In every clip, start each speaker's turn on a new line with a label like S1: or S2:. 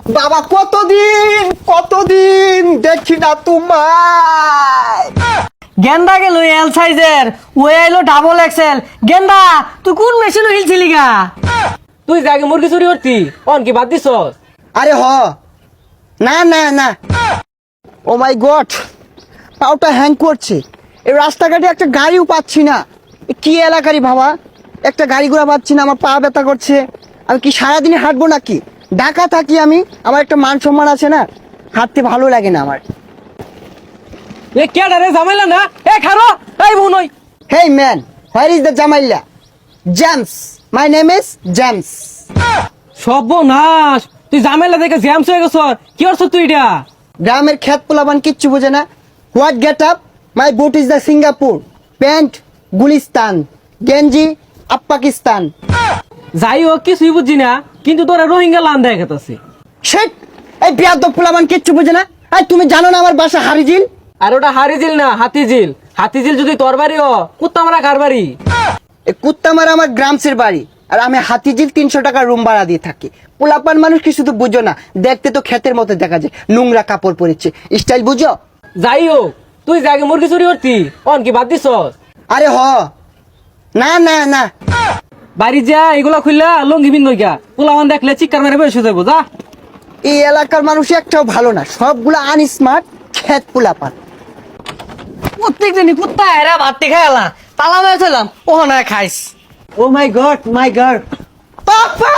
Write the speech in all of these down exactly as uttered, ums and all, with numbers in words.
S1: বাবা কতদিন কতদিন দেখি না তোমায়।
S2: গেন্দা গেল এল সাইজের, ওই আইলো ডাবল এক্সেল। গেন্দা তুই কোন মেশিন হিলছিলি গা?
S3: তুই জাগে মুরগি চুরি করতি, অন কি বাদ দিছ?
S1: আরে হ, না না না, ও মাই গড, পাউটা হ্যাং করছে। এই রাস্তাঘাটে একটা গাড়িও পাচ্ছি না। এ কি এলাকারই বাবা, একটা গাড়ি ঘোড়া পাচ্ছি না, আমার পা ব্যথা করছে। আমি কি সারাদিনে হাঁটবো নাকি? ঢাকা থাকি আমি, আমার একটা মান সম্মান আছে না, হাঁটতে ভালো লাগে না আমার।
S3: এ কেডা রে জামাইলা না? এ খারো, এই বোন ওই।
S1: Hey man, where is the জামাইলা? James, my name is James.
S3: সর্বনাশ, তুই জামাইলা দেখে জ্যামস হয়ে গেছ। কি করছ তুই এটা?
S1: গ্রামের খেত পোলাবান কিচ্ছু বোঝে না। What get up, my boot is the Singapore, pant Gulistan, গেঞ্জি আপ পাকিস্তান।
S3: যাই হোক কিছুই বুঝছি না, কিন্তু তোরা রোহিঙ্গা লান দেখাতেছে।
S1: শেট, এই বিয়াদব পোলাবান কিচ্ছু বোঝে না। এই তুমি জানো না আমার বাসা হারিজিল?
S3: আর ওটা হারিজিল না, হাতিঝিল। হাতিঝিল যদি তোর বাড়ি ও, কুত্তা মারা কার বাড়ি?
S1: এই কুত্তামারা আমার গ্রামসের বাড়ি, আর আমি হাতিঝিল তিনশো টাকা রুম ভাড়া দিয়ে থাকি। পোলাপান মানুষ কি শুধু বুঝো না, দেখতে তো ক্ষেতের মতো দেখা যায়, নোংরা কাপড় পরেছে, স্টাইল বুঝো?
S3: যাই হোক, তুই জাগে মুরগি চুরি করতি, অন কি বাদ দিছ?
S1: আরে হ, না না না,
S3: বাড়ি যা, এগুলা খুললা লঙ্গি বিন নইকা, পোলাওয়ান দেখলে চিৎকার মেরে বেশ হয়ে যাবো। যা।
S1: এই এলাকার মানুষ একটাও ভালো না, সবগুলো আনস্মার্ট ক্ষেত পোলাপান।
S2: প্রত্যেক দিনই কুত্তা এরা ভাতটি খাইলা তালা মেরেছিলাম, ও না খাইস।
S1: Oh my god, my god, papa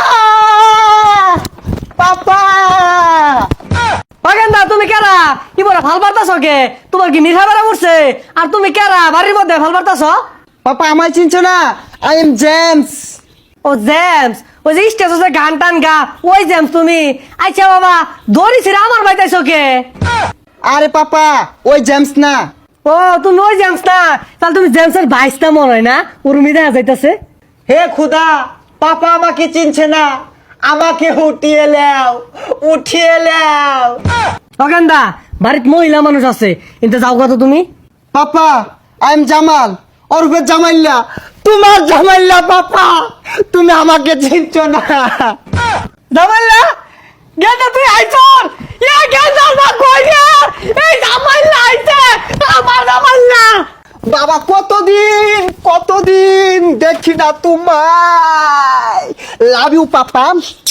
S1: papa.
S2: গেন্দা তুমি কেরা? কি বলে ভাল বার্তাছ কে? তোমার কি নিশা বেড়া উঠছে? আর তুমি কেরা বাড়ির মধ্যে ভাল বার্তাছ?
S1: পাপা আমায় চিনছো না? I am James.
S2: Oh James, ওই যে স্টেজে গান টান গা, ওই জেমস তুমি? আচ্ছা বাবা, দড়ি ছিড়ে আমার বাইতাইছ কে?
S1: আরে পাপা, ওই জেমস না।
S2: ও তুমি ওই জেমস না? তাহলে তুমি জেমসের ভাইসটা মনে হয় না? উর্মি দেখা যাইতাছে।
S1: হে খুদা, পাপা আমাকে চিনছে না, আমাকে উঠিয়ে লাও, উঠিয়ে লাও।
S2: অগেন্দা বাড়িত মহিলা মানুষ আছে, কিন্তু যাও কত তুমি?
S1: পাপা, আই এম জামাল, ওরফে জামাইল্লা, তোমার জামাইল্লা। পাপা তুমি আমাকে চিনছো না।
S2: জামাইলা গেন্দা তুই আইছর? ইয়া গেন্দা না কই রে? এই জামাইলা আইছে, আমার জামাইলা।
S1: বাবা কতদিন কতদিন দেখি না তোমায়। Love you papa.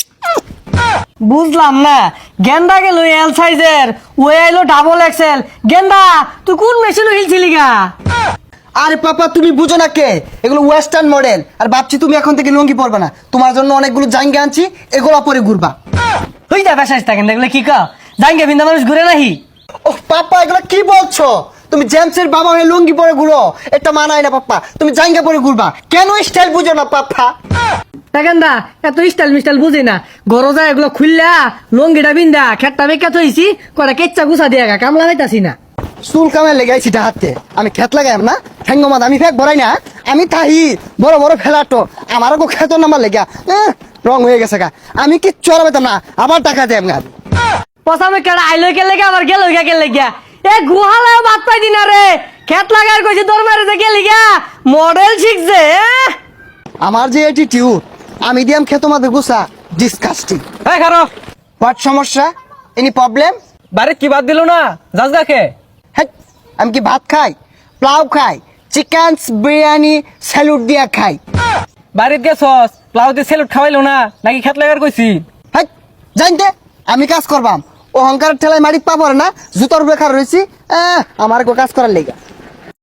S2: বুঝলাম না, গেন্দা গেল এল সাইজের, ওই আইলো ডাবল এক্সেল। গেন্দা তুই কোন মেশিন হিলছিলি গা?
S1: আরে পাপা তুমি বুঝো না কে, এগুলো ওয়েস্টার্ন মডেল। আর ভাবছি তুমি এখন থেকে লুঙ্গি পরবে না, তোমার জন্য অনেকগুলো জাঙ্গা আনছি, এগুলো পরে ঘুরবা।
S2: তুই যা বেসাইস থাকেন দেখলে কি কা জাঙ্গে বিন্দা মানুষ ঘুরে নাহি।
S1: ও পাপা এগুলো কি বলছো? তুমি জেমসের বাবা হয়ে লুঙ্গি পরে ঘুরো, এটা মানায় না পাপা। তুমি জাঙ্গা পরে ঘুরবা, কেন স্টাইল বুঝো না পাপা?
S2: গেন্দা এত স্টাইল মিস্টাইল বুঝি না, গরজা এগুলো খুললা লঙ্গিটা বিন্দা খেটটা বেকা থইছি, কটা কেচ্চা গুছা দিয়া গা কামলা হইতাছি না।
S1: চুল কামে লেগাইছি হাতে, আমি খেত লাগাইম না, ঠ্যাঙ্গমাদ আমি ফেক ভরাই না, আমি তাহি বড় বড় ফেলাটো আমার গো খেত নামার লেগা এহ, রং হয়ে গেছে গা। আমি কি চড়াবেতাম না, আবার টাকা দেব গা।
S2: পসামে কেডা আইলো কে লেগে আবার গেল কে লেগিয়া? এ গুহালায় ভাত পাই দিনা রে, খেত লাগার কইছে তোর মারে যে গেলি গা মডেল শিখছে। এহ!
S1: আমার যে অ্যাটিটিউড, আমি দিয়াম খেত মাদের গুছা, ডিসকাস্টিং।
S3: এই খারো,
S1: হোয়াট সমস্যা? Any problem?
S3: বাড়ি কি বাদ দিল না? যাস দেখে।
S1: হ্যাঁ, আমি কি ভাত খাই, প্লাউ খাই, চিকেন বিরিয়ানি স্যালুট দিয়া খাই?
S3: বাড়িতে গেছস, প্লাউতে সেলুট খাওয়াইলো না নাকি খেত লাগার কইছি?
S1: হ্যাঁ, জানতে আমি কাজ করবাম, অহংকারের ঠেলায় মাটিত পাবো না, জুতোর বেকার রয়েছি, আমার গো কাজ করার লেগা।